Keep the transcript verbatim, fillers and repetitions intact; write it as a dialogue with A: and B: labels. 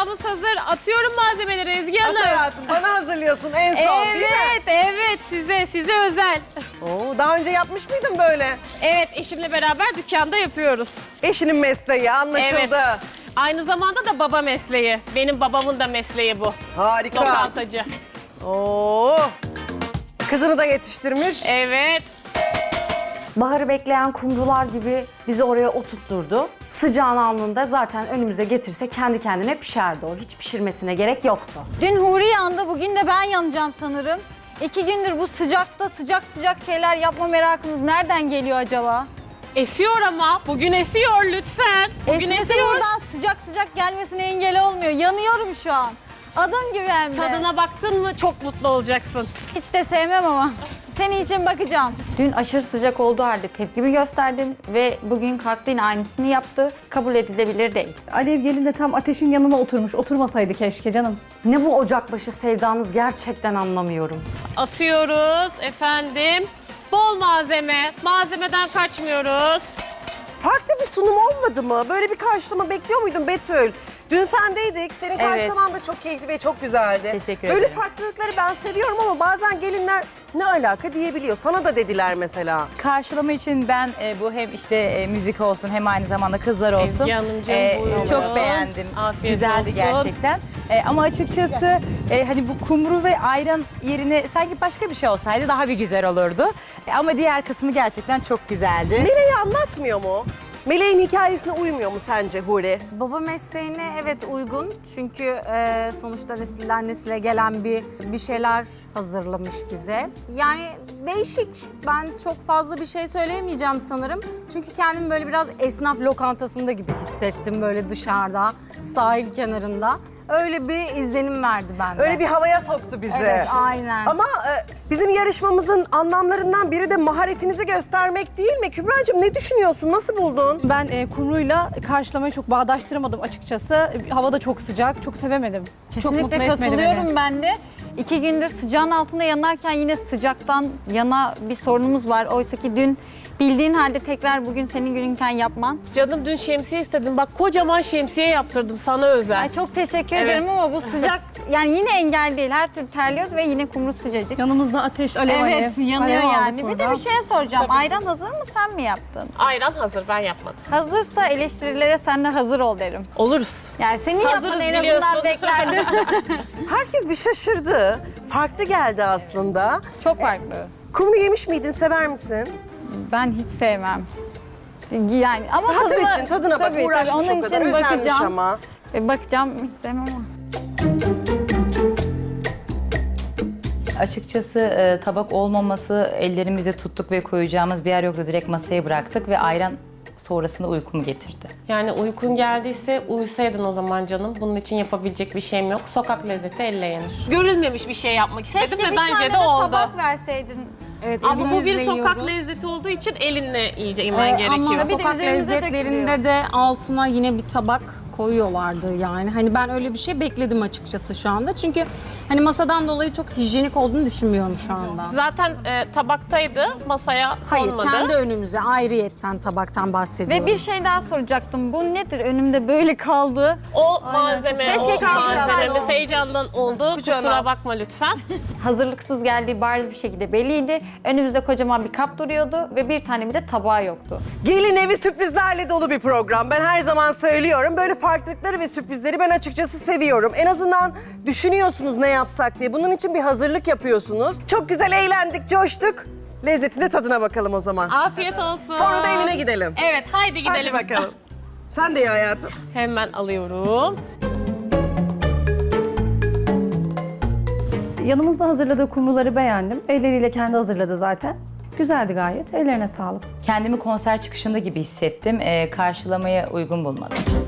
A: Sıcağımız hazır. Atıyorum malzemeleri Ezgi Hanım.
B: At hayatım, bana hazırlıyorsun en son değil mi?
A: Evet, evet. Size, size özel.
B: Oo, daha önce yapmış mıydın böyle?
A: Evet, eşimle beraber dükkanda yapıyoruz.
B: Eşinin mesleği anlaşıldı.
A: Evet. Aynı zamanda da baba mesleği. Benim babamın da mesleği bu.
B: Harika.
A: Lokantacı.
B: Oo. Kızını da yetiştirmiş.
A: Evet.
C: Baharı bekleyen kumrular gibi bizi oraya oturtturdu. Sıcağın alnında zaten önümüze getirse kendi kendine pişerdi o. Hiç pişirmesine gerek yoktu.
D: Dün Huri yandı, bugün de ben yanacağım sanırım. İki gündür bu sıcakta sıcak sıcak şeyler yapma merakınız nereden geliyor acaba?
A: Esiyor ama. Bugün esiyor lütfen. Bugün
D: Esmesi
A: esiyor.
D: buradan sıcak sıcak gelmesine engel olmuyor. Yanıyorum şu an. Adım gibi hem de.
A: Tadına baktın mı çok mutlu olacaksın.
D: Hiç de sevmem ama. Senin için bakacağım.
E: Dün aşırı sıcak olduğu halde tepkimi gösterdim ve bugün kalktı yine aynısını yaptı. Kabul edilebilir değil.
F: Alev gelin de tam ateşin yanına oturmuş. Oturmasaydı keşke canım.
C: Ne bu ocakbaşı sevdanız gerçekten anlamıyorum.
A: Atıyoruz efendim. Bol malzeme. Malzemeden kaçmıyoruz.
B: Farklı bir sunum olmadı mı? Böyle bir karşılama bekliyor muydun Betül? Dün sendeydik. Senin karşılaman da çok keyifli ve çok güzeldi.
E: Teşekkür
B: Böyle
E: ederim.
B: farklılıkları ben seviyorum ama bazen gelinler ne alaka diyebiliyor. Sana da dediler mesela.
G: Karşılama için ben e, bu hem işte e, müzik olsun hem aynı zamanda kızlar olsun.
A: Ezgi Hanımcığım, buyurun.
G: çok beğendim.
A: Afiyet
G: Güzeldi
A: olsun.
G: gerçekten. E, ama açıkçası e, hani bu kumru ve ayran yerine sanki başka bir şey olsaydı daha bir güzel olurdu. E, ama diğer kısmı gerçekten çok güzeldi.
B: Meleği anlatmıyor mu? Meleğin hikayesine uymuyor mu sence Huri?
C: Baba mesleğine evet uygun çünkü e, sonuçta nesilden nesile gelen bir bir şeyler hazırlamış bize. Yani değişik. Ben çok fazla bir şey söyleyemeyeceğim sanırım. Çünkü kendimi böyle biraz esnaf lokantasında gibi hissettim böyle dışarıda, sahil kenarında. Öyle bir izlenim verdi bende.
B: Öyle bir havaya soktu bizi.
C: Evet, aynen.
B: Ama e, bizim yarışmamızın anlamlarından biri de maharetinizi göstermek değil mi? Kübra'cığım ne düşünüyorsun? Nasıl buldun?
F: Ben e, kumruyla karşılamayı çok bağdaştıramadım açıkçası. Hava da çok sıcak, çok sevemedim. çok mutlu
D: Kesinlikle
F: etmedi
D: katılıyorum
F: beni.
D: ben de. İki gündür sıcağın altında yanarken yine sıcaktan yana bir sorunumuz var. Oysa ki dün bildiğin halde tekrar bugün senin gününken yapman.
A: Canım dün şemsiye istedim. Bak kocaman şemsiye yaptırdım sana özel.
D: Ay çok teşekkür
A: Evet.
D: ederim ama bu sıcak yani yine engel değil. Her türlü terliyoruz ve yine kumru sıcacık.
F: Yanımızda ateş, alev alev.
D: Evet yanıyor
F: Alev
D: yani.
F: aldık
D: Bir de
F: burada.
D: bir şey soracağım. Ayran hazır mı sen mi yaptın?
A: Ayran hazır ben yapmadım.
D: Hazırsa eleştirilere sen de hazır ol derim.
A: Oluruz.
D: Yani senin
A: Hazırız
D: yapmanı en
A: biliyorsun.
D: azından beklerdim.
B: Herkes bir şaşırdı. Farklı geldi aslında.
D: Çok farklı.
B: Kumru yemiş miydin? Sever misin?
D: Ben hiç sevmem. Yani ama
B: Hatır
D: tadına,
B: için tadına bak.
D: tabii,
B: Uğraşmış
D: tabii, onun
B: o kadar.
D: için
B: Özenmiş
D: bakacağım.
B: ama.
D: E, bakacağım hiç sevmem ama.
G: Açıkçası e, tabak olmaması ellerimizi tuttuk ve koyacağımız bir yer yoktu. Direkt masaya bıraktık ve ayran sonrasında uykumu getirdi.
A: Yani uykun geldiyse uyusaydın o zaman canım. Bunun için yapabilecek bir şeyim yok. Sokak lezzeti elle yenir. Görülmemiş bir şey yapmak istedim
D: Keşke
A: ve
D: bir
A: bence
D: tane
A: de,
D: de
A: oldu.
D: tabak verseydin.
C: Evet,
A: Ama bu bir
C: elimizle
A: sokak
C: yiyoruz.
A: lezzeti olduğu için elinle iyice yemen gerekiyor.
D: Bir de
H: Sokak
D: üzerimize
H: lezzetlerinde de altına yine bir tabak koyuyorlardı yani. Hani ben öyle bir şey bekledim açıkçası şu anda. Çünkü hani masadan dolayı çok hijyenik olduğunu düşünmüyorum şu anda.
A: Zaten e, tabaktaydı, masaya
H: Hayır,
A: konmadı.
H: kendi önümüze ayrıyetten tabaktan bahsediyorum.
D: Ve bir şey daha soracaktım. Bu nedir? Önümde böyle kaldı.
A: O malzeme,
D: Keşke
A: o
D: kaldırsaydı.
A: malzememiz heyecandan oldu.
B: Kucağına.
A: Kusura bakma lütfen.
E: Hazırlıksız geldiği bariz bir şekilde belliydi. Önümüzde kocaman bir kap duruyordu ve bir tane bile tabağı yoktu.
B: Gelin evi sürprizlerle dolu bir program. Ben her zaman söylüyorum. Böyle farklılıkları ve sürprizleri ben açıkçası seviyorum. En azından düşünüyorsunuz ne yapsak diye. Bunun için bir hazırlık yapıyorsunuz. Çok güzel eğlendik, coştuk. Lezzetine tadına bakalım o zaman.
A: Afiyet olsun.
B: Sonra da evine gidelim.
A: Evet, haydi gidelim.
B: Hadi bakalım. Sen de ye hayatım.
A: Hemen alıyorum.
F: Yanımızda hazırladığı kumruları beğendim. Elleriyle kendi hazırladı zaten. Güzeldi gayet. Ellerine sağlık.
G: Kendimi konser çıkışında gibi hissettim. E, karşılamaya uygun bulmadım.